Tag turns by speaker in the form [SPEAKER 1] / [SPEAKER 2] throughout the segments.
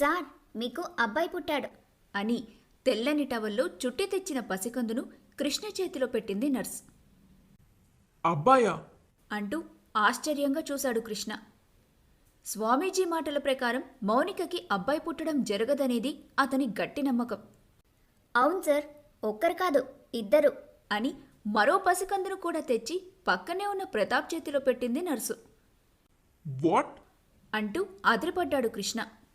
[SPEAKER 1] Sir, మీకు అబ్బాయి పుట్టాడు
[SPEAKER 2] అని తెల్లని టవల్లో చుట్టి తెచ్చిన పసికందును కృష్ణ చేతిలో పెట్టింది నర్స్.
[SPEAKER 3] అబ్బాయా?
[SPEAKER 2] అంటూ ఆశ్చర్యంగా చూశాడు కృష్ణ. స్వామీజీ మాటల ప్రకారం మౌనికకి అబ్బాయి పుట్టడం జరగదనేది అతని గట్టి నమ్మకం.
[SPEAKER 1] అవును సార్, ఒక్కరు కాదు, ఇద్దరు
[SPEAKER 2] అని మరో పసికందును కూడా తెచ్చి పక్కనే ఉన్న ప్రతాప్ చేతిలో పెట్టింది నర్సు.
[SPEAKER 3] వాట్?
[SPEAKER 2] అంటూ అదిరిపడ్డాడు కృష్ణ.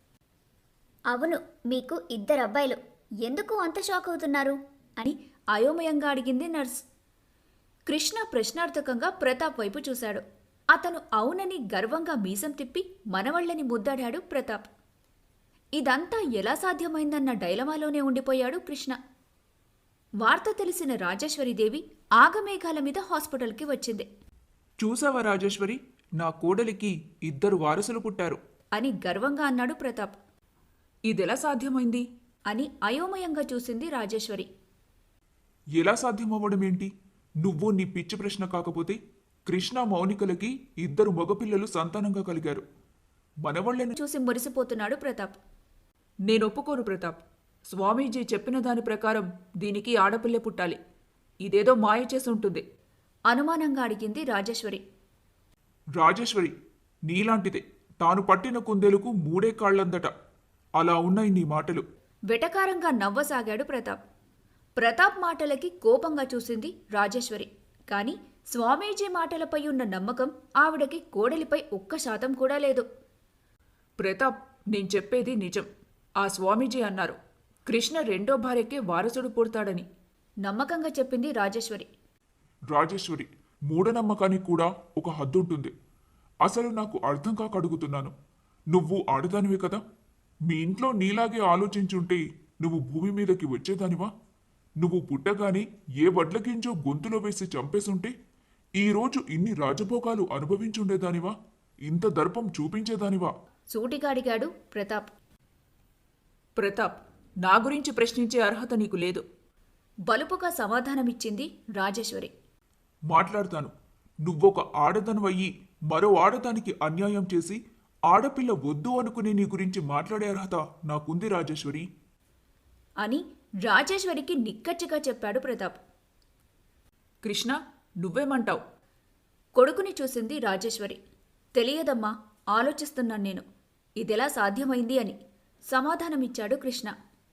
[SPEAKER 1] అవును, మీకు ఇద్దరు అబ్బాయిలు. ఎందుకు అంత షాక్ అవుతున్నారు
[SPEAKER 2] అని అయోమయంగా అడిగింది నర్స్. కృష్ణ ప్రశ్నార్థకంగా ప్రతాప్ వైపు చూశాడు. అతను అవునని గర్వంగా మీసం తిప్పి మనవళ్ళని ముద్దాడాడు ప్రతాప్. ఇదంతా ఎలా సాధ్యమైందన్న డైలమాలోనే ఉండిపోయాడు కృష్ణ. వార్త తెలిసిన రాజేశ్వరీదేవి ఆగమేఘాల మీద హాస్పిటల్కి వచ్చింది.
[SPEAKER 3] చూసావా రాజేశ్వరి, నా కోడలికి ఇద్దరు వారసులు పుట్టారు
[SPEAKER 2] అని గర్వంగా అన్నాడు ప్రతాప్.
[SPEAKER 3] ఇదెలా సాధ్యమైంది
[SPEAKER 2] అని అయోమయంగా చూసింది రాజేశ్వరి.
[SPEAKER 3] ఎలా సాధ్యమవ్వడమేంటి? నువ్వు నీ పిచ్చి ప్రశ్న కాకపోతే కృష్ణ మౌనికలకి ఇద్దరు మగపిల్లలు సంతానంగా కలిగారు. మనవాళ్ళని
[SPEAKER 2] చూసి మురిసిపోతున్నాడు ప్రతాప్.
[SPEAKER 4] నేనొప్పుకోను ప్రతాప్. స్వామీజీ చెప్పిన దాని ప్రకారం దీనికి ఆడపిల్లే పుట్టాలి. ఇదేదో మాయ చేసి ఉంటుంది.
[SPEAKER 2] అనుమానంగా అడిగింది రాజేశ్వరి.
[SPEAKER 3] రాజేశ్వరి, నీలాంటిదే. తాను పట్టిన కుందేలుకు మూడే కాళ్లందట. అలా ఉన్నాయి నీ మాటలు.
[SPEAKER 2] వెటకారంగా నవ్వసాగాడు ప్రతాప్. ప్రతాప్ మాటలకి కోపంగా చూసింది రాజేశ్వరి. కాని స్వామీజీ మాటలపై ఉన్న నమ్మకం ఆవిడకి కోడలిపై 1% కూడా లేదు.
[SPEAKER 4] ప్రతాప్, నేను చెప్పేది నిజం. ఆ స్వామీజీ అన్నారు కృష్ణ రెండో భార్యకే వారసుడు పుడతాడని.
[SPEAKER 2] నమ్మకంగా చెప్పింది రాజేశ్వరి.
[SPEAKER 3] రాజేశ్వరి, మూఢనమ్మకానికి కూడా ఒక హద్దుంటుంది. అసలు నాకు అర్థం కాక అడుగుతున్నాను. నువ్వు ఆడదానివే కదా? మీ ఇంట్లో నీలాగే ఆలోచించుంటే నువ్వు భూమి మీదకి వచ్చేదానివా? నువ్వు పుట్టగానే ఏ వడ్లగింజో గొంతులో వేసి చంపేసుంటే ఈరోజు ఇన్ని రాజభోగాలు అనుభవించుండేదానివా? ఇంత దర్పం చూపించేదానివా?
[SPEAKER 2] సూటిగా అడిగాడు ప్రతాప్.
[SPEAKER 4] ప్రతాప్, నా గురించి ప్రశ్నించే అర్హత నీకు లేదు.
[SPEAKER 2] బలుపుగా సమాధానమిచ్చింది రాజేశ్వరి.
[SPEAKER 3] మాట్లాడతాను. నువ్వొక ఆడదనువయ్యి మరో ఆడదానికి అన్యాయం చేసి ఆడపిల్ల వద్దు అనుకునే నీ గురించి మాట్లాడే అర్హత నాకుంది రాజేశ్వరి.
[SPEAKER 2] అని రాజేశ్వరికి నిక్కచ్చిగా చెప్పాడు ప్రతాప్.
[SPEAKER 4] కృష్ణ, నువ్వేమంటావు?
[SPEAKER 2] కొడుకుని చూసింది రాజేశ్వరి. తెలియదమ్మా, ఆలోచిస్తున్నాను నేను. ఇదెలా సాధ్యమైంది అని సమాధానమిచ్చాడు కృష్ణ.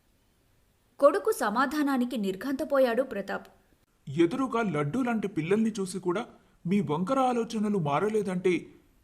[SPEAKER 2] కొడుకు సమాధానానికి నిర్ఘంతపోయాడు ప్రతాప్.
[SPEAKER 3] ఎదురుగా లడ్డూ లాంటి పిల్లల్ని చూసి కూడా మీ వంకర ఆలోచనలు మారలేదంటే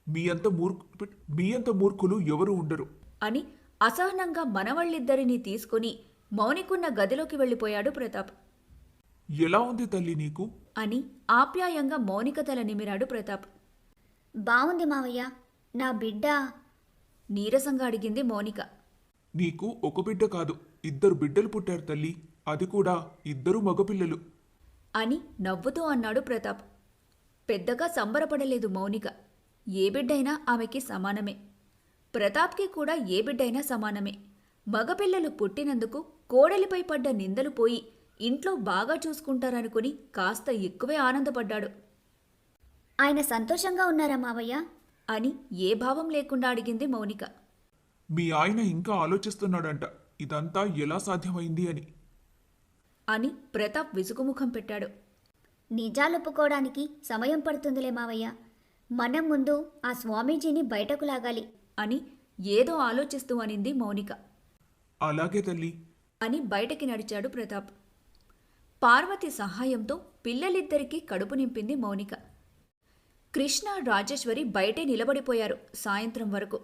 [SPEAKER 3] మీ అంత మూర్ఖులు ఎవరూ ఉండరు.
[SPEAKER 2] అని అసహనంగా మనవళ్ళిద్దరినీ తీసుకుని మౌనికున్న గదిలోకి వెళ్ళిపోయాడు ప్రతాప్.
[SPEAKER 3] ఎలా ఉంది తల్లి నీకు?
[SPEAKER 2] అని ఆప్యాయంగా మౌనిక తల నిమిరాడు ప్రతాప్.
[SPEAKER 1] బావుంది మావయ్య. నా బిడ్డ
[SPEAKER 2] నీరసంగా అడిగింది మౌనిక.
[SPEAKER 3] నీకు ఒక బిడ్డ కాదు, ఇద్దరు బిడ్డలు పుట్టారు తల్లి. అది కూడా ఇద్దరు మగపిల్లలు.
[SPEAKER 2] అని నవ్వుతూ అన్నాడు ప్రతాప్. పెద్దగా సంబరపడలేదు మౌనిక. ఏ బిడ్డైనా ఆమెకి సమానమే. ప్రతాప్కి కూడా ఏ బిడ్డైనా సమానమే. మగపిల్లలు పుట్టినందుకు కోడలిపై పడ్డ నిందలు పోయి ఇంట్లో బాగా చూసుకుంటారనుకుని కాస్త ఎక్కువే ఆనందపడ్డాడు.
[SPEAKER 1] ఆయన సంతోషంగా ఉన్నారా మావయ్య
[SPEAKER 2] అని ఏ భావం లేకుండా అడిగింది మౌనిక.
[SPEAKER 3] మీ ఆయన ఇంకా ఆలోచిస్తున్నాడంట ఇదంతా ఎలా సాధ్యమైంది అని.
[SPEAKER 2] అని ప్రతాప్ విసుగుముఖం పెట్టాడు.
[SPEAKER 1] నిజాలొప్పుకోవడానికి సమయం పడుతుందిలే మావయ్య. మనం ముందు ఆ స్వామీజీని బయటకు లాగాలి
[SPEAKER 2] అని ఏదో ఆలోచిస్తూ అనింది మౌనిక.
[SPEAKER 3] అలాగే తల్లి
[SPEAKER 2] అని బయటకి నడిచాడు ప్రతాప్. పార్వతి సహాయంతో పిల్లలిద్దరికీ కడుపు నింపింది మౌనిక. కృష్ణ, రాజేశ్వరి బయటే నిలబడిపోయారు సాయంత్రం వరకు.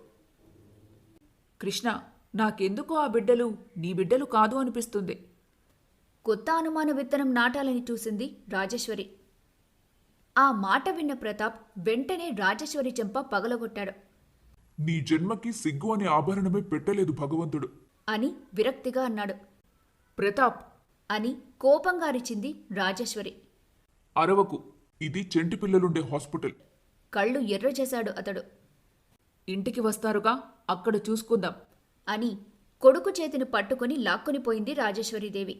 [SPEAKER 4] కృష్ణ, నాకెందుకో ఆ బిడ్డలు నీ బిడ్డలు కాదు అనిపిస్తుంది.
[SPEAKER 2] కొత్త అనుమాన విత్తనం నాటాలని చూసింది రాజేశ్వరి. ఆ మాట విన్న ప్రతాప్ వెంటనే రాజేశ్వరి చెంప పగలగొట్టాడు.
[SPEAKER 3] నీ జన్మకి సిగ్గు అనే ఆభరణమే పెట్టలేదు భగవంతుడు
[SPEAKER 2] అని విరక్తిగా అన్నాడు.
[SPEAKER 4] ప్రతాప్
[SPEAKER 2] అని కోపంగా అరిచింది రాజేశ్వరి.
[SPEAKER 3] అరవకు, ఇది చెంటి పిల్లలుండే హాస్పిటల్.
[SPEAKER 2] కళ్ళు ఎర్ర చేశాడు అతడు.
[SPEAKER 4] ఇంటికి వస్తారుగా, అక్కడ చూసుకుందాం
[SPEAKER 2] అని కొడుకు చేతిని పట్టుకుని లాక్కునిపోయింది రాజేశ్వరీదేవి.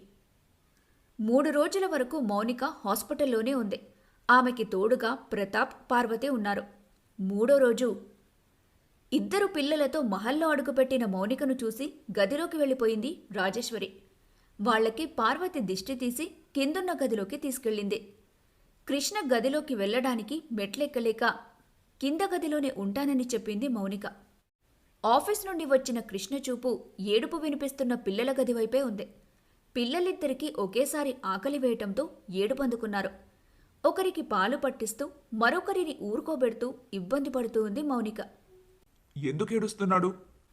[SPEAKER 2] 3 రోజుల వరకు మౌనిక హాస్పిటల్లోనే ఉంది. ఆమెకి తోడుగా ప్రతాప్, పార్వతి ఉన్నారు. 3వ రోజు ఇద్దరు పిల్లలతో మహల్లో అడుగుపెట్టిన మౌనికను చూసి గదిలోకి వెళ్ళిపోయింది రాజేశ్వరి. వాళ్లకి పార్వతి దిష్టి తీసి కిందున్న గదిలోకి తీసుకెళ్ళింది. కృష్ణ గదిలోకి వెళ్ళడానికి మెట్లెక్కలేక కింద గదిలోనే ఉంటానని చెప్పింది మౌనిక. ఆఫీస్ నుండి వచ్చిన కృష్ణ చూపు ఏడుపు వినిపిస్తున్న పిల్లల గది వైపే ఉంది. పిల్లలిద్దరికీ ఒకేసారి ఆకలి వేయటంతో ఏడుపందుకున్నారు. ఒకరికి పాలు పట్టిస్తూ మరొకరిని ఊరుకోబెడుతూ ఇబ్బంది పడుతూ ఉంది మౌనిక.
[SPEAKER 3] ఎందుకు ఏడుస్తున్నాడు?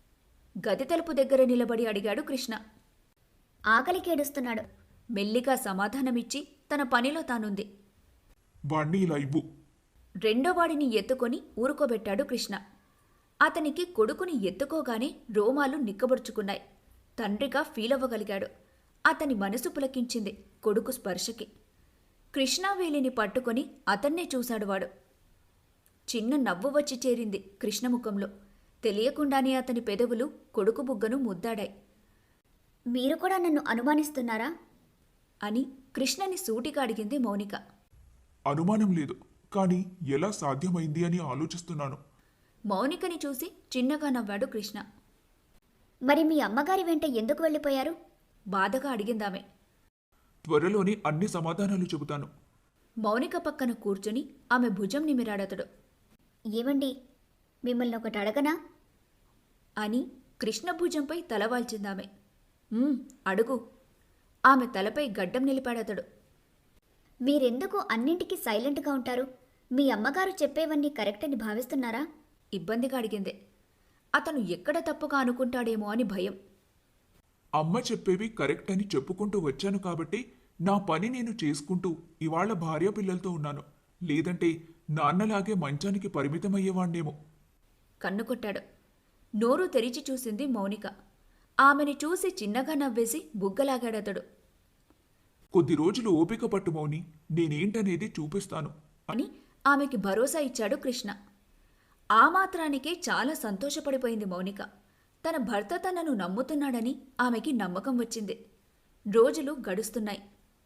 [SPEAKER 2] గది తలుపు దగ్గర నిలబడి అడిగాడు కృష్ణ.
[SPEAKER 1] ఆకలికేడుస్తున్నాడు.
[SPEAKER 2] మెల్లిగా సమాధానమిచ్చి తన పనిలో తానుంది.
[SPEAKER 3] వాణ్ణి ఇలా ఇవ్వు.
[SPEAKER 2] రెండోవాడిని ఎత్తుకొని ఊరుకోబెట్టాడు కృష్ణ. అతనికి కొడుకుని ఎత్తుకోగానే రోమాలు నిక్కబొడుచుకున్నాయి. తండ్రిగా ఫీలవ్వగలిగాడు. అతని మనసు పులకించింది కొడుకు స్పర్శకి. కృష్ణావేలిని పట్టుకొని అతన్నే చూశాడు వాడు. చిన్న నవ్వు వచ్చి చేరింది కృష్ణముఖంలో. తెలియకుండానే అతని పెదవులు కొడుకు బుగ్గను ముద్దాడాయి.
[SPEAKER 1] మీరు కూడా నన్ను అనుమానిస్తున్నారా?
[SPEAKER 2] అని కృష్ణని సూటిగా అడిగింది మౌనిక.
[SPEAKER 3] అనుమానం లేదు, కానీ ఎలా సాధ్యమైంది అని ఆలోచిస్తున్నాను.
[SPEAKER 2] మౌనికని చూసి చిన్నగా నవ్వాడు కృష్ణ.
[SPEAKER 1] మరి మీ అమ్మగారి వెంట ఎందుకు వెళ్ళిపోయారు?
[SPEAKER 2] బాధగా అడిగిందామె.
[SPEAKER 3] త్వరలోనే అన్ని సమాధానాలు చెబుతాను.
[SPEAKER 2] మౌనిక పక్కన కూర్చుని ఆమె భుజం నిమిరాడతడు.
[SPEAKER 1] ఏమండి, మిమ్మల్ని ఒకటి అడగనా?
[SPEAKER 2] అని కృష్ణ భుజంపై తలవాల్చిందామె. అడుగు. ఆమె తలపై గడ్డం నిలిపాడతడు.
[SPEAKER 1] మీరెందుకు అన్నింటికీ సైలెంట్గా ఉంటారు? మీ అమ్మగారు చెప్పేవన్నీ కరెక్ట్ అని భావిస్తున్నారా?
[SPEAKER 2] ఇబ్బందిగా అడిగింది. అతను ఎక్కడ తప్పుగా అనుకుంటాడేమో అని భయం.
[SPEAKER 3] అమ్మ చెప్పేవి కరెక్ట్ అని చెప్పుకుంటూ వచ్చాను కాబట్టి నా పని నేను చేసుకుంటూ ఇవాళ భార్య పిల్లలతో ఉన్నాను. లేదంటే నాన్నలాగే మంచానికి పరిమితమయ్యేవాణ్ణేమో.
[SPEAKER 2] కన్ను కొట్టాడు. నోరు తెరిచి చూసింది మౌనిక. ఆమెని చూసి చిన్నగా నవ్వేసి బుగ్గలాగాడతడు.
[SPEAKER 3] కొద్ది రోజులు ఓపిక పట్టు మౌని, నేనేంటనేది చూపిస్తాను
[SPEAKER 2] అని ఆమెకి భరోసా ఇచ్చాడు కృష్ణ. ఆ మాత్రానికే చాలా సంతోషపడిపోయింది మౌనిక. తన భర్త తనను నమ్ముతున్నాడని ఆమెకి నమ్మకం వచ్చింది. రోజులు గడుస్తున్నాయి.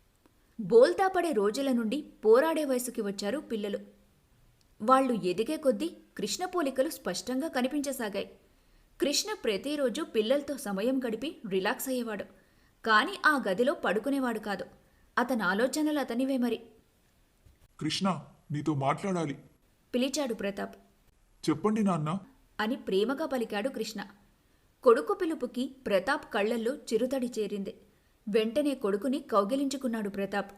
[SPEAKER 2] బోల్తా పడే రోజుల నుండి పోరాడే వయసుకి వచ్చారు పిల్లలు. వాళ్లు ఎదిగే కొద్దీ కృష్ణ పోలికలు స్పష్టంగా కనిపించసాగాయి. కృష్ణ ప్రతిరోజు పిల్లలతో సమయం గడిపి రిలాక్స్ అయ్యేవాడు. కాని ఆ గదిలో పడుకునేవాడు కాదు. అతని ఆలోచనలు అతనివే మరి.
[SPEAKER 3] కృష్ణ, నీతో మాట్లాడాలి.
[SPEAKER 2] పిలిచాడు ప్రతాప్.
[SPEAKER 3] చెప్పండి నాన్న.
[SPEAKER 2] అని ప్రేమగా పలికాడు కృష్ణ. కొడుకు పిలుపుకి ప్రతాప్ కళ్లల్లో చిరుతడి చేరింది. వెంటనే కొడుకుని కౌగిలించుకున్నాడు ప్రతాప్.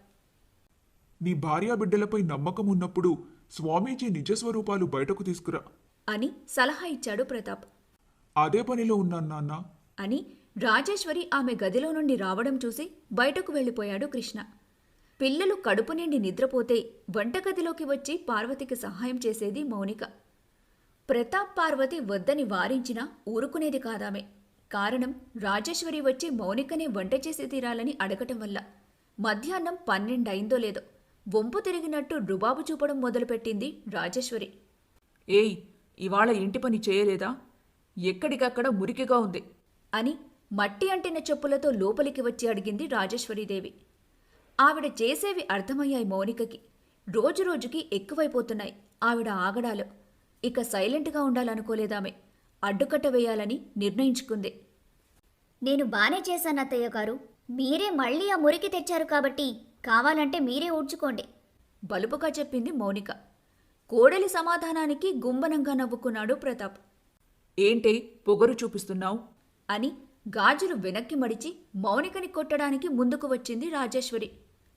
[SPEAKER 3] నీ భార్యా బిడ్డలపై నమ్మకం ఉన్నప్పుడు స్వామీజీ నిజస్వరూపాలు బయటకు తీసుకురా
[SPEAKER 2] అని సలహా ఇచ్చాడు ప్రతాప్.
[SPEAKER 3] అదే పనిలో ఉన్నాను నాన్న.
[SPEAKER 2] అని రాజేశ్వరి ఆమె గదిలో నుండి రావడం చూసి బయటకు వెళ్ళిపోయాడు కృష్ణ. పిల్లలు కడుపు నిండి నిద్రపోతే వంటగదిలోకి వచ్చి పార్వతికి సహాయం చేసేది మౌనిక. ప్రతాప్ పార్వతి వద్దని వారించినా ఊరుకునేది కాదామె. కారణం రాజేశ్వరి వచ్చి మౌనికనే వంట చేసి తీరాలని అడగటం వల్ల. మధ్యాహ్నం 12 అయిందో లేదో వంపు తిరిగినట్టు రుబాబు చూపడం మొదలుపెట్టింది రాజేశ్వరి.
[SPEAKER 4] ఏయ్, ఇవాళ ఇంటి పని చేయలేదా? ఎక్కడికక్కడ మురికిగా ఉంది
[SPEAKER 2] అని మట్టి అంటిన చెప్పులతో లోపలికి వచ్చి అడిగింది రాజేశ్వరీదేవి. ఆవిడ చేసేవి అర్థమయ్యాయి మౌనికకి. రోజురోజుకి ఎక్కువైపోతున్నాయి ఆవిడ ఆగడాలు. ఇక సైలెంట్గా ఉండాలనుకోలేదామె. అడ్డుకట్ట వేయాలని నిర్ణయించుకుంది.
[SPEAKER 1] నేను బానే చేశాను అత్తయ్య గారు. మీరే మళ్ళీ ఆ మురికి తెచ్చారు కాబట్టి కావాలంటే మీరే ఊడ్చుకోండి.
[SPEAKER 2] బలుపుగా చెప్పింది మౌనిక. కోడలి సమాధానానికి గుంబనంగా నవ్వుకున్నాడు ప్రతాప్.
[SPEAKER 4] ఏంటే పొగరు చూపిస్తున్నావు?
[SPEAKER 2] అని గాజులు వెనక్కి మడిచి మౌనికని కొట్టడానికి ముందుకు వచ్చింది రాజేశ్వరి.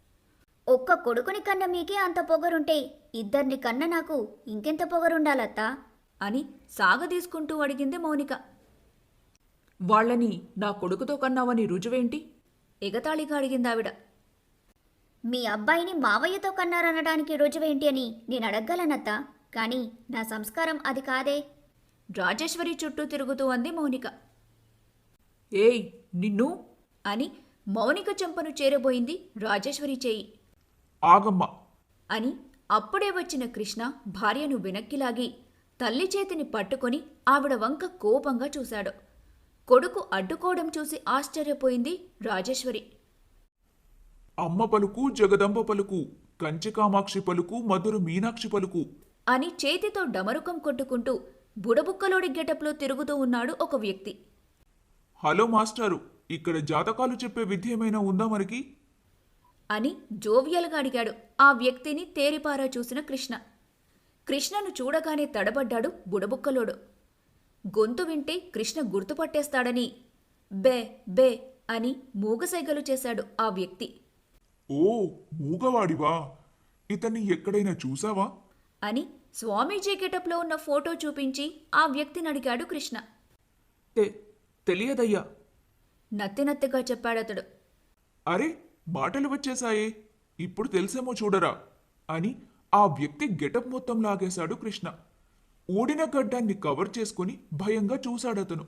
[SPEAKER 1] ఒక్క కొడుకుని కన్న మీకే అంత పొగరుంటే ఇద్దరిని కన్న నాకు ఇంకెంత పొగరుండాలత్తా?
[SPEAKER 2] అని సాగదీసుకుంటూ అడిగింది మౌనిక.
[SPEAKER 4] వాళ్ళని నా కొడుకుతో కన్నావని రుజువేంటి?
[SPEAKER 2] ఎగతాళిగా అడిగిందావిడ.
[SPEAKER 1] మీ అబ్బాయిని మావయ్యతో కన్నారనడానికి రుజువేంటి అని నేను అడగగలనత్తా, కానీ నా సంస్కారం అది కాదే.
[SPEAKER 2] రాజేశ్వరి చుట్టూ తిరుగుతూ అంది మౌనిక.
[SPEAKER 4] ఏయ్, నిన్ను!
[SPEAKER 2] అని మౌనిక చెంపను చేరబోయింది రాజేశ్వరి చేయి.
[SPEAKER 3] ఆగమ్మా
[SPEAKER 2] అని అప్పుడే వచ్చిన కృష్ణ భార్యను వెనక్కిలాగి తల్లి చేతిని పట్టుకొని ఆవిడ వంక కోపంగా చూశాడు. కొడుకు అడ్డుకోవడం చూసి ఆశ్చర్యపోయింది రాజేశ్వరి.
[SPEAKER 3] అమ్మ పలుకు జగదంబ పలుకు, కంచి కామాక్షి పలుకు, మధుర మీనాక్షి పలుకు
[SPEAKER 2] అని చేతితో డమరుకం కొట్టుకుంటూ బుడబుక్కలోడి గెటప్లో తిరుగుతూ ఉన్నాడు ఒక వ్యక్తి.
[SPEAKER 3] హలో మాస్టారు, ఇక్కడ జాతకాలు చెప్పే విద్య ఏమైనా ఉందా మనకి?
[SPEAKER 2] అని జోవియల్గా అడిగాడు ఆ వ్యక్తిని తేరిపారా చూసిన కృష్ణ. కృష్ణను చూడగానే తడబడ్డాడు బుడబుక్కలోడు. గొంతు వింటే కృష్ణ గుర్తుపట్టేస్తాడని బే బే అని మూగసైగలు చేశాడు ఆ వ్యక్తి.
[SPEAKER 3] ఓ, మూగవాడివా? ఇతన్ని ఎక్కడైనా చూసావా?
[SPEAKER 2] అని స్వామీజీ గెటప్లో ఉన్న ఫోటో చూపించి ఆ వ్యక్తిని అడిగాడు కృష్ణ.
[SPEAKER 4] తెలియదయ్యా.
[SPEAKER 2] నత్తినత్తిగా చెప్పాడతడు.
[SPEAKER 3] అరే, మాటలు వచ్చేశాయే, ఇప్పుడు తెలిసేమో చూడరా అని ఆ వ్యక్తి గెటప్ మొత్తం లాగేశాడు కృష్ణ. ఊడిన గడ్డాన్ని కవర్ చేసుకుని భయంగా చూశాడతను.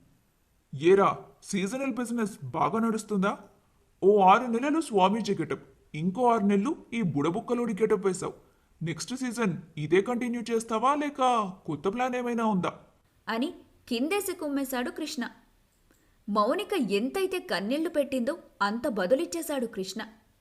[SPEAKER 3] ఏరా, సీజనల్ బిజినెస్ బాగా నడుస్తుందా? ఓ 6 నెలలు స్వామీజీ గెటప్, ఇంకో 6 నెలలు ఈ బుడబుక్కలోడి గెటప్ వేశావు. నెక్స్ట్ సీజన్ ఇదే కంటిన్యూ చేస్తావా లేక కొత్త ప్లాన్ ఏమైనా ఉందా?
[SPEAKER 2] అని కిందేసి కుమ్మేశాడు కృష్ణ. మౌనిక ఎంతైతే కన్నీళ్లు పెట్టిందో అంత బదులిచ్చేశాడు కృష్ణ.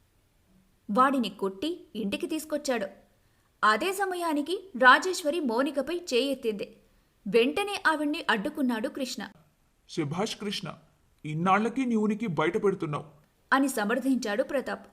[SPEAKER 2] వాడిని కొట్టి ఇంటికి తీసుకొచ్చాడు. అదే సమయానికి రాజేశ్వరి మౌనికపై చేయెత్తింది. వెంటనే ఆవిడ్ని అడ్డుకున్నాడు కృష్ణ.
[SPEAKER 3] శభాష్ కృష్ణ, ఇన్నాళ్లకి నీ ఉనికి బయట పెడుతున్నావు
[SPEAKER 2] అని సమర్థించాడు ప్రతాప్.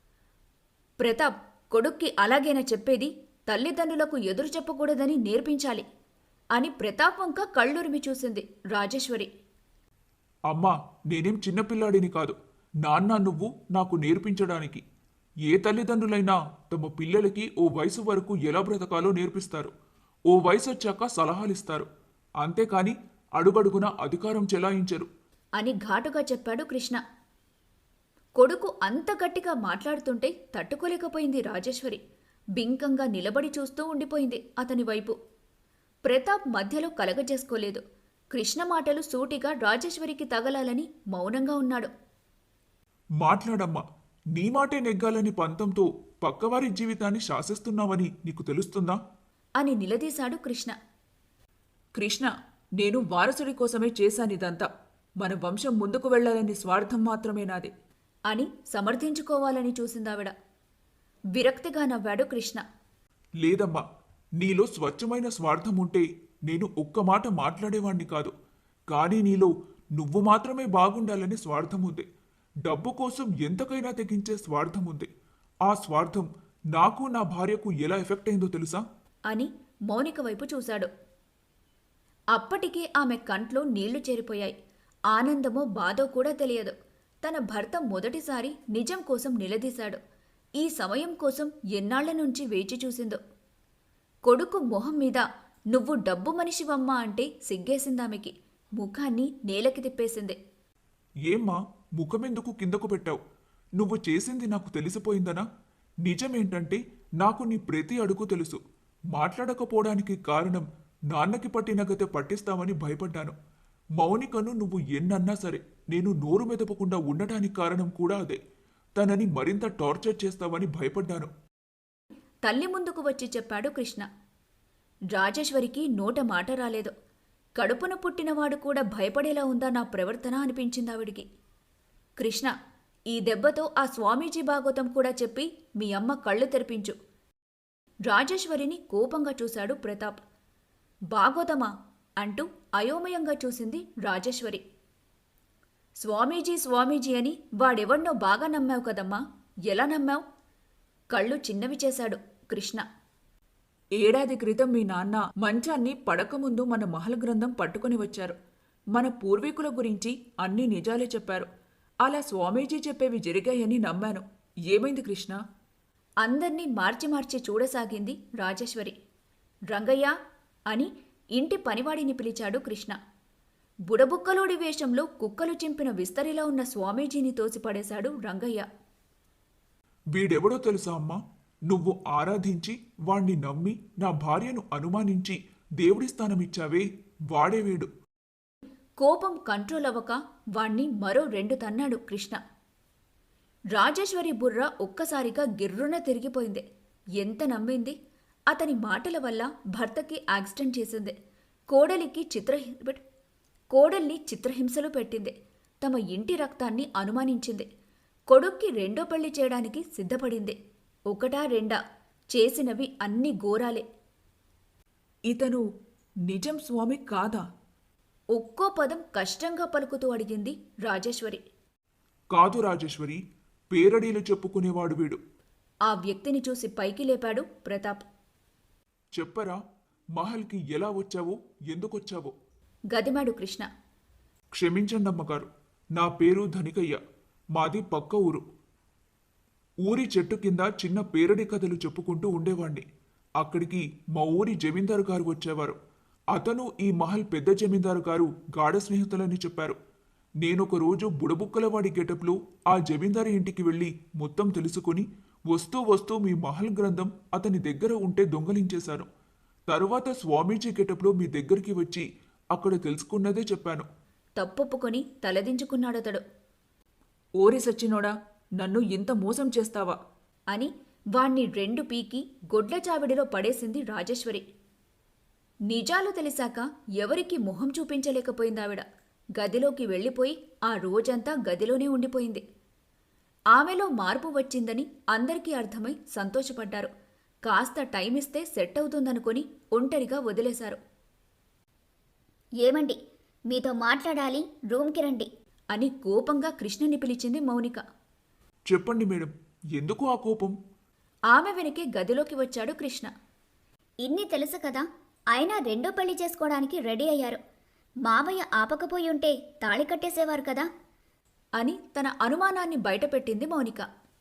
[SPEAKER 2] ప్రతాప్, కొడుక్కి అలాగేనా చెప్పేది? తల్లిదండ్రులకు ఎదురు చెప్పకూడదని నేర్పించాలి అని ప్రతాప్ వంక కళ్ళురిమి చూసింది రాజేశ్వరి.
[SPEAKER 3] అమ్మా, నేనేం చిన్నపిల్లాడిని కాదు. నాన్న నువ్వు నాకు నేర్పించడానికి. ఏ తల్లిదండ్రులైనా తమ పిల్లలకి ఓ వయసు వరకు ఎలా బ్రతకాలో నేర్పిస్తారు. ఓ వయసు వచ్చాక సలహాలిస్తారు. అంతేకాని అడుగడుగున అధికారం చెలాయించరు
[SPEAKER 2] అని ఘాటుగా చెప్పాడు కృష్ణ. కొడుకు అంత గట్టిగా మాట్లాడుతుంటే తట్టుకోలేకపోయింది రాజేశ్వరి. బింకంగా నిలబడి చూస్తూ ఉండిపోయింది అతని వైపు. ప్రతాప్ మధ్యలో కలగజేసుకోలేదు. కృష్ణ మాటలు సూటిగా రాజేశ్వరికి తగలాలని మౌనంగా ఉన్నాడు.
[SPEAKER 3] మాట్లాడమ్మా, నీ మాటే నెగ్గాలని పంతంతో పక్కవారి జీవితాన్ని శాసిస్తున్నావని నీకు తెలుస్తుందా?
[SPEAKER 2] అని నిలదీశాడు కృష్ణ.
[SPEAKER 4] కృష్ణ, నేను వారసుడి కోసమే చేశానిదంతా. మన వంశం ముందుకు వెళ్లాలని స్వార్థం మాత్రమే నాది
[SPEAKER 2] అని సమర్థించుకోవాలని చూసిందావిడ. విరక్తిగా నవ్వాడు కృష్ణ.
[SPEAKER 3] లేదమ్మా, నీలో స్వచ్ఛమైన స్వార్థం ఉంటే నేను ఒక్క మాట మాట్లాడేవాణ్ణి కాదు. కానీ నీలో నువ్వు మాత్రమే బాగుండాలని స్వార్థం ఉంది. డబ్బు కోసం ఎంతకైనా తెగించే స్వార్థం ఉంది. ఆ స్వార్థం నాకు నా భార్యకు ఎలా ఎఫెక్ట్ అయిందో తెలుసా?
[SPEAKER 2] అని మౌనిక వైపు చూశాడు. అప్పటికే ఆమె కంట్లో నీళ్లు చేరిపోయాయి. ఆనందమో బాధో కూడా తెలియదు. తన భర్త మొదటిసారి నిజం కోసం నిలదీశాడు. ఈ సమయం కోసం ఎన్నాళ్ల నుంచి వేచి చూసిందో. కొడుకు మొహం మీద నువ్వు డబ్బు మనిషివమ్మా అంటే సిగ్గేసిందామెకి. ముఖాన్ని నేలకి తిప్పేసింది.
[SPEAKER 3] ఏమ్మా, ముఖమెందుకు కిందకు పెట్టావు? నువ్వు చేసింది నాకు తెలిసిపోయిందనా? నిజమేంటంటే నాకు నీ ప్రతి అడుగు తెలుసు. మాట్లాడకపోవడానికి కారణం నాన్నకి పట్టిన గతే పట్టిస్తామని భయపడ్డాను. మౌనికను నువ్వు ఎన్నన్నా సరే నేను నోరు మెదపకుండా ఉండటానికి కారణం కూడా అదే. తనని మరింత టార్చర్ చేస్తావని భయపడ్డాను.
[SPEAKER 2] తల్లి ముందుకు వచ్చి చెప్పాడు కృష్ణ. రాజేశ్వరికి నోట మాట రాలేదు. కడుపున పుట్టినవాడు కూడా భయపడేలా ఉందా నా ప్రవర్తన అనిపించిందావిడికి. కృష్ణ, ఈ దెబ్బతో ఆ స్వామీజీ భాగవతం కూడా చెప్పి మీ అమ్మ కళ్ళు తెరిపించు. రాజేశ్వరిని కోపంగా చూశాడు ప్రతాప్. భాగవతమా అంటూ అయోమయంగా చూసింది రాజేశ్వరి. స్వామీజీ స్వామీజీ అని వాడెవడ్నో బాగా నమ్మావు కదమ్మా, ఎలా నమ్మావు? కళ్ళు చిన్నవి చేశాడు కృష్ణ.
[SPEAKER 4] ఏడాది క్రితం మీ నాన్న మంచాన్ని పడకముందు మన మహల్ గ్రంథం పట్టుకుని వచ్చారు. మన పూర్వీకుల గురించి అన్ని నిజాలే చెప్పారు. అలా స్వామీజీ చెప్పేవి జరిగాయని నమ్మాను. ఏమైంది కృష్ణ?
[SPEAKER 2] అందర్నీ మార్చి మార్చి చూడసాగింది రాజేశ్వరి. రంగయ్య అని ఇంటి పనివాడిని పిలిచాడు కృష్ణ. బుడబుక్కలోడి వేషంలో కుక్కలు చింపిన విస్తరిలో ఉన్న స్వామీజీని తోసిపడేశాడు రంగయ్య.
[SPEAKER 3] వీడెవడో తెలుసా అమ్మా? నువ్వు ఆరాధించి వాణ్ణి నమ్మి నా భార్యను అనుమానించి దేవుడి స్థానమిచ్చావే, వాడే వీడు.
[SPEAKER 2] కోపం కంట్రోల్ అవ్వక వాణ్ణి మరో 2 తన్నాడు కృష్ణ. రాజేశ్వరి బుర్ర ఒక్కసారిగా గిర్రున తిరిగిపోయింది. ఎంత నమ్మింది? అతని మాటల వల్ల భర్తకి యాక్సిడెంట్ చేసింది. కోడల్ని చిత్రహింసలు పెట్టింది. తమ ఇంటి రక్తాన్ని అనుమానించింది. కొడుక్కి 2వ పెళ్లి చేయడానికి సిద్ధపడింది. 1, 2 చేసినవి అన్ని ఘోరాలే.
[SPEAKER 4] ఇతను నిజం స్వామి కాదా?
[SPEAKER 2] ఒక్కో పదం కష్టంగా పలుకుతూ అడిగింది రాజేశ్వరి.
[SPEAKER 3] కాదు రాజేశ్వరి, పేరడీలు చెప్పుకునేవాడు వీడు.
[SPEAKER 2] ఆ వ్యక్తిని చూసి పైకి లేపాడు ప్రతాప్.
[SPEAKER 3] చెప్పరా, మహల్కి ఎలా వచ్చావో, ఎందుకొచ్చావో?
[SPEAKER 2] గదిమాడు కృష్ణ.
[SPEAKER 3] క్షమించండి అమ్మగారు, నా పేరు ధనికయ్య. మాది పక్క ఊరు. ఊరి చెట్టు కింద చిన్న పేరడి కథలు చెప్పుకుంటూ ఉండేవాణ్ణి. అక్కడికి మా ఊరి జమీందారు గారు వచ్చేవారు. అతను ఈ మహల్ పెద్ద జమీందారు గారు గాఢ స్నేహితులని చెప్పారు. నేనొక రోజు బుడబుక్కలవాడి గెటప్లో ఆ జమీందారు ఇంటికి వెళ్ళి మొత్తం తెలుసుకుని వస్తూ వస్తూ మీ మహల్ గ్రంథం అతని దగ్గర ఉంటే దొంగలించేశాను. తరువాత స్వామీజీ గెటప్లో మీ దగ్గరికి వచ్చి అక్కడ తెలుసుకున్నదే చెప్పాను.
[SPEAKER 2] తప్పొప్పుకొని తలదించుకున్నాడతడు.
[SPEAKER 4] ఓరి సచ్చినోడా, నన్ను ఇంత మోసం చేస్తావా?
[SPEAKER 2] అని వాణ్ణి 2 పీకి గొడ్ల చావిడిలో పడేసింది రాజేశ్వరి. నిజాలు తెలిసాక ఎవరికీ మొహం చూపించలేకపోయిందావిడ. గదిలోకి వెళ్ళిపోయి ఆ రోజంతా గదిలోనే ఉండిపోయింది. ఆమెలో మార్పు వచ్చిందని అందరికీ అర్థమై సంతోషపడ్డారు. కాస్త టైమిస్తే సెట్ అవుతుందనుకొని ఒంటరిగా వదిలేశారు.
[SPEAKER 1] ఏమండి, మీతో మాట్లాడాలి, రూమ్కి రండి.
[SPEAKER 2] అని కోపంగా కృష్ణని పిలిచింది మౌనిక.
[SPEAKER 3] చెప్పండి మేడం, ఎందుకు ఆ కోపం?
[SPEAKER 2] ఆమె వెనకే గదిలోకి వచ్చాడు కృష్ణ.
[SPEAKER 1] ఇన్ని తెలుసు కదా, అయినా రెండో పెళ్లి చేసుకోవడానికి రెడీ అయ్యారు. మావయ్య ఆపకపోయి ఉంటే తాళి కట్టేసేవారు కదా.
[SPEAKER 2] అని తన అనుమానాన్ని బయటపెట్టింది మౌనిక.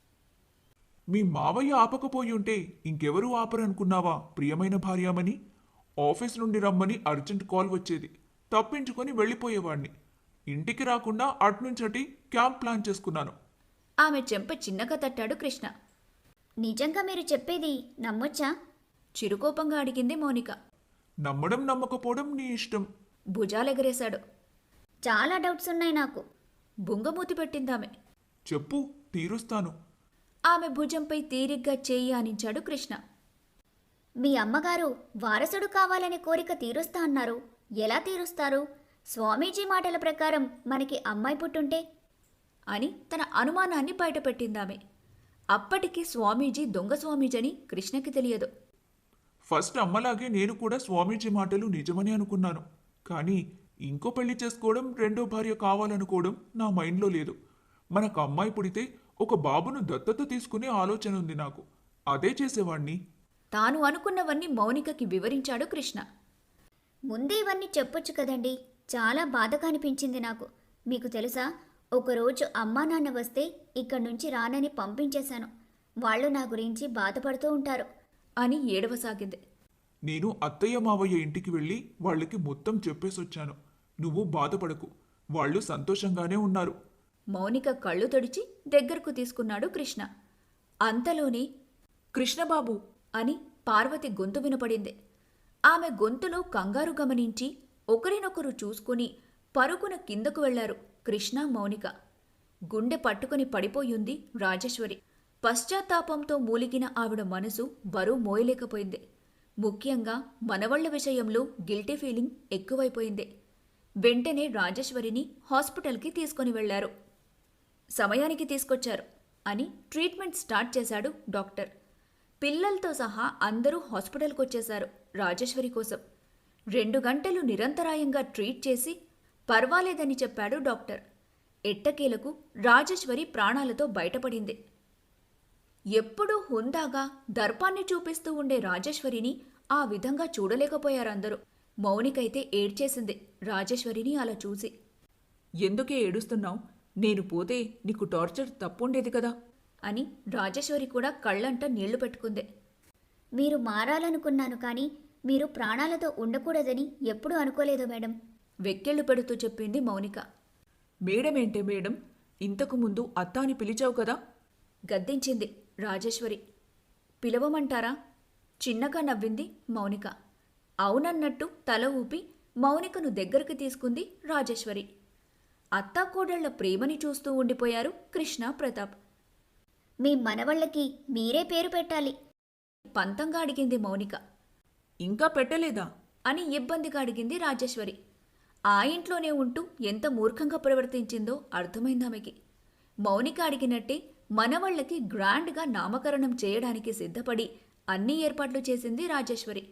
[SPEAKER 3] మీ మావయ్య ఆపకపోయి ఉంటే ఇంకెవరూ ఆపరనుకున్నావా ప్రియమైన భార్యామని? ఆఫీస్ నుండి రమ్మని అర్జెంట్ కాల్ వచ్చేది, తప్పించుకొని వెళ్ళిపోయేవాణ్ణి. ఇంటికి రాకుండా అట్నుంచటి క్యాంప్ ప్లాన్ చేసుకున్నాను.
[SPEAKER 2] ఆమె చెంప చిన్నగా తట్టాడు కృష్ణ.
[SPEAKER 1] నిజంగా మీరు చెప్పేది నమ్మొచ్చా?
[SPEAKER 2] చిరుకోపంగా అడిగింది మౌనిక.
[SPEAKER 3] నమ్మడం నమ్మకపోవడం నీ ఇష్టం.
[SPEAKER 2] భుజాలెగరేశాడు.
[SPEAKER 1] చాలా డౌట్స్ ఉన్నాయి నాకు.
[SPEAKER 2] బుంగమూతి పెట్టిందామె.
[SPEAKER 3] చెప్పు, తీరుస్తాను.
[SPEAKER 2] ఆమె భుజంపై తీరిగ్గా చేయి ఆనించాడు కృష్ణ.
[SPEAKER 1] మీ అమ్మగారు వారసుడు కావాలనే కోరిక తీరుస్తా అన్నారు. ఎలా తీరుస్తారు? స్వామీజీ మాటల ప్రకారం మనకి అమ్మాయి పుట్టుంటే?
[SPEAKER 2] అని తన అనుమానాన్ని బయటపెట్టిందామె. అప్పటికి స్వామీజీ దొంగ స్వామీజని కృష్ణకి తెలియదు.
[SPEAKER 3] ఫస్ట్ అమ్మలాగే నేను కూడా స్వామీజీ మాటలు నిజమని అనుకున్నాను. కానీ ఇంకో పెళ్లి చేసుకోవడం, రెండో భార్య కావాలనుకోవడం నా మైండ్లో లేదు. మనకు అమ్మాయి పుడితే ఒక బాబును దత్తత తీసుకునే ఆలోచన ఉంది నాకు. అదే చేసేవాణ్ణి.
[SPEAKER 2] తాను అనుకున్నవన్నీ మౌనికకి వివరించాడు కృష్ణ.
[SPEAKER 1] ముందే ఇవన్నీ చెప్పొచ్చు కదండి. చాలా బాధగా అనిపించింది నాకు. మీకు తెలుసా, ఒకరోజు అమ్మా నాన్న వస్తే ఇక్కడి నుంచి రానని పంపించేశాను. వాళ్ళు నా గురించి బాధపడుతూ ఉంటారు
[SPEAKER 2] అని ఏడవసాగింది.
[SPEAKER 3] నేను అత్తయ్య మావయ్య ఇంటికి వెళ్ళి వాళ్ళకి మొత్తం చెప్పేసొచ్చాను. నువ్వు బాధపడకు, వాళ్ళు సంతోషంగానే ఉన్నారు.
[SPEAKER 2] మౌనిక కళ్ళు తడిచి దగ్గరకు తీసుకున్నాడు కృష్ణ. అంతలోనే
[SPEAKER 4] కృష్ణబాబు,
[SPEAKER 2] అని పార్వతి గొంతు వినపడింది. ఆమె గొంతులో కంగారు గమనించి ఒకరినొకరు చూసుకుని పరుగున కిందకు వెళ్లారు కృష్ణ, మౌనిక. గుండె పట్టుకుని పడిపోయింది రాజేశ్వరి. పశ్చాత్తాపంతో మూలిగిన ఆవిడ మనసు బరువు మోయలేకపోయింది. ముఖ్యంగా మనవళ్ల విషయంలో గిల్టీ ఫీలింగ్ ఎక్కువైపోయింది. వెంటనే రాజేశ్వరిని హాస్పిటల్కి తీసుకొని వెళ్లారు. సమయానికి తీసుకొచ్చారు అని ట్రీట్మెంట్ స్టార్ట్ చేశాడు డాక్టర్. పిల్లలతో సహా అందరూ హాస్పిటల్కొచ్చేశారు రాజేశ్వరి కోసం. 2 గంటలు నిరంతరాయంగా ట్రీట్ చేసి పర్వాలేదని చెప్పాడు డాక్టర్. ఎట్టకేలకు రాజేశ్వరి ప్రాణాలతో బయటపడింది. ఎప్పుడూ హుందాగా దర్పాన్ని చూపిస్తూ ఉండే రాజేశ్వరిని ఆ విధంగా చూడలేకపోయారందరూ. మౌనికైతే ఏడ్చేసింది రాజేశ్వరిని అలా చూసి.
[SPEAKER 4] ఎందుకే ఏడుస్తున్నావు? నేను పోతే నీకు టార్చర్ తప్పుండేది కదా
[SPEAKER 2] అని రాజేశ్వరి కూడా కళ్ళంట నీళ్లు పెట్టుకుంది.
[SPEAKER 1] మీరు మారాలనుకున్నాను, కానీ మీరు ప్రాణాలతో ఉండకూడదని ఎప్పుడూ అనుకోలేదు మేడం.
[SPEAKER 2] వెక్కెళ్లు పెడుతూ చెప్పింది మౌనిక.
[SPEAKER 4] మేడమేంటే మేడం, ఇంతకు ముందు అత్త అని పిలిచావు కదా?
[SPEAKER 2] గద్దించింది రాజేశ్వరి. పిలవమంటారా? చిన్నగా నవ్వింది మౌనిక. అవునన్నట్టు తల ఊపి మౌనికను దగ్గరకు తీసుకుంది రాజేశ్వరి. అత్తాకోడళ్ల ప్రేమని చూస్తూ ఉండిపోయారు కృష్ణ, ప్రతాప్.
[SPEAKER 1] మీ మనవళ్ళకి మీరే పేరు పెట్టాలి.
[SPEAKER 2] పంతంగా అడిగింది మౌనిక.
[SPEAKER 4] ఇంకా పెట్టలేదా
[SPEAKER 2] అని ఇబ్బందిగా అడిగింది రాజేశ్వరి. ఆ ఇంట్లోనే ఉంటూ ఎంత మూర్ఖంగా ప్రవర్తించిందో అర్థమైందామెకి. మౌనిక అడిగినట్టే మనవళ్లకి గ్రాండ్గా నామకరణం చేయడానికి సిద్ధపడి అన్ని ఏర్పాట్లు చేసింది రాజేశ్వరి.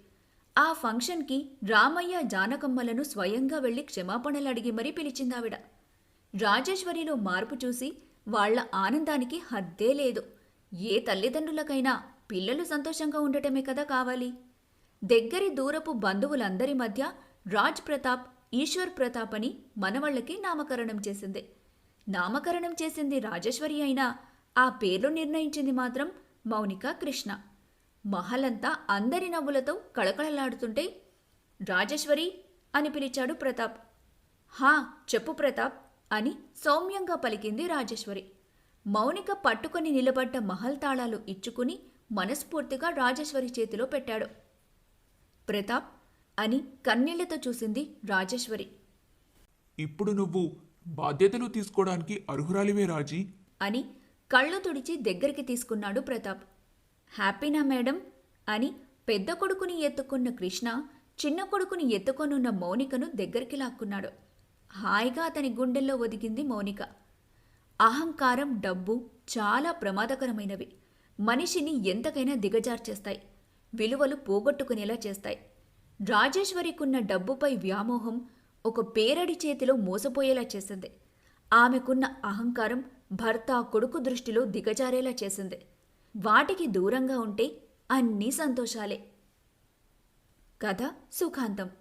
[SPEAKER 2] ఆ ఫంక్షన్కి రామయ్య జానకమ్మలను స్వయంగా వెళ్లి క్షమాపణలు అడిగి మరీ పిలిచిందావిడ. రాజేశ్వరిలో మార్పు చూసి వాళ్ల ఆనందానికి హద్దే లేదు. ఏ తల్లిదండ్రులకైనా పిల్లలు సంతోషంగా ఉండటమే కదా కావాలి. దగ్గరి దూరపు బంధువులందరి మధ్య రాజ్ ప్రతాప్, ఈశ్వర్ ప్రతాప్ అని మనవళ్లకి నామకరణం చేసింది. నామకరణం చేసింది రాజేశ్వరి అయినా ఆ పేర్లు నిర్ణయించింది మాత్రం మౌనిక, కృష్ణ. మహలంతా అందరి నవ్వులతో కళకళలాడుతుంటే రాజేశ్వరి అని పిలిచాడు ప్రతాప్. హా, చెప్పు ప్రతాప్ అని సౌమ్యంగా పలికింది రాజేశ్వరి. మౌనిక పట్టుకొని నిలబడ్డ మహల్ తాళాలు ఇచ్చుకుని మనస్ఫూర్తిగా రాజేశ్వరి చేతిలో పెట్టాడు. ప్రతాప్ అని కన్నీళ్లతో చూసింది రాజేశ్వరి.
[SPEAKER 3] ఇప్పుడు నువ్వు బాధ్యతలు తీసుకోవడానికి అర్హురాలివే రాజీ.
[SPEAKER 2] అని కళ్ళు తుడిచి దగ్గరికి తీసుకున్నాడు ప్రతాప్. హ్యాపీనా మేడం అని పెద్ద కొడుకుని ఎత్తుకున్న కృష్ణ చిన్న కొడుకుని ఎత్తుకొనున్న మౌనికను దగ్గరికి లాక్కున్నాడు. హాయిగా అతని గుండెల్లో ఒదిగింది మౌనిక. అహంకారం, డబ్బు చాలా ప్రమాదకరమైనవి. మనిషిని ఎంతకైనా దిగజార్చేస్తాయి, విలువలు పోగొట్టుకునేలా చేస్తాయి. రాజేశ్వరికున్న డబ్బుపై వ్యామోహం ఒక పేరడి చేతిలో మోసపోయేలా చేసింది. ఆమెకున్న అహంకారం భర్త, కొడుకు దృష్టిలో దిగజారేలా చేసింది. వాటికి దూరంగా ఉంటే అన్నీ సంతోషాలే. కథ సుఖాంతం.